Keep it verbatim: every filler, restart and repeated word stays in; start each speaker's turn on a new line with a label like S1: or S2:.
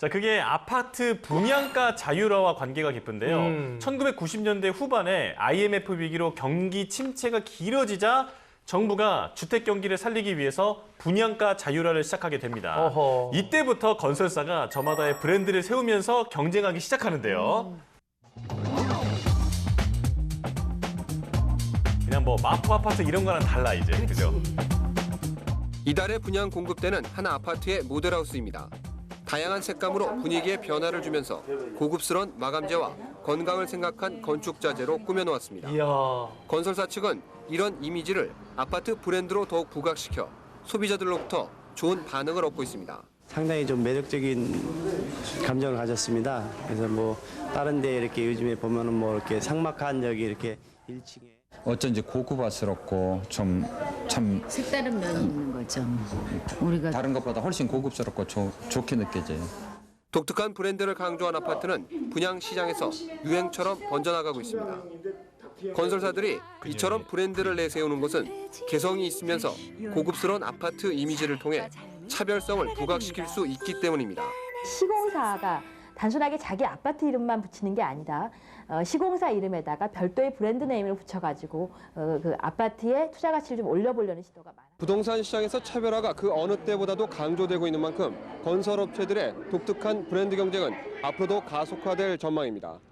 S1: 자, 그게 아파트 분양가 자율화와 관계가 깊은데요.
S2: 음.
S1: 천구백구십 년대 후반에 아이엠에프 위기로 경기 침체가 길어지자 정부가 주택 경기를 살리기 위해서 분양가 자율화를 시작하게 됩니다.
S2: 어허.
S1: 이때부터 건설사가 저마다의 브랜드를 세우면서 경쟁하기 시작하는데요. 그냥 뭐 마포 아파트 이런 거랑 달라 이제, 그죠?
S3: 이달의 분양 공급되는 한 아파트의 모델하우스입니다. 다양한 색감으로 분위기에 변화를 주면서 고급스러운 마감재와 건강을 생각한 건축 자재로 꾸며놓았습니다.
S2: 이야.
S3: 건설사 측은 이런 이미지를 아파트 브랜드로 더욱 부각시켜 소비자들로부터 좋은 반응을 얻고 있습니다.
S4: 상당히 좀 매력적인 감정을 가졌습니다. 그래서 뭐 다른 데 이렇게 요즘에 보면은 뭐 이렇게 삭막한 여기 이렇게 일 층에
S5: 어쩐지 고급스럽고 좀 참
S6: 색다른 면이 있는 거죠. 우리가
S5: 다른 것보다 훨씬 고급스럽고 조, 좋게 느껴져요.
S3: 독특한 브랜드를 강조한 아파트는 분양 시장에서 유행처럼 번져나가고 있습니다. 건설사들이 이처럼 브랜드를 내세우는 것은 개성이 있으면서 고급스러운 아파트 이미지를 통해 차별성을 부각시킬 수 있기 때문입니다.
S7: 시공사가 단순하게 자기 아파트 이름만 붙이는 게 아니라 어, 시공사 이름에다가 별도의 브랜드 네임을 붙여가지고 어, 그 아파트의 투자 가치를 좀 올려보려는 시도가 많아요.
S3: 부동산 시장에서 차별화가 그 어느 때보다도 강조되고 있는 만큼 건설업체들의 독특한 브랜드 경쟁은 앞으로도 가속화될 전망입니다.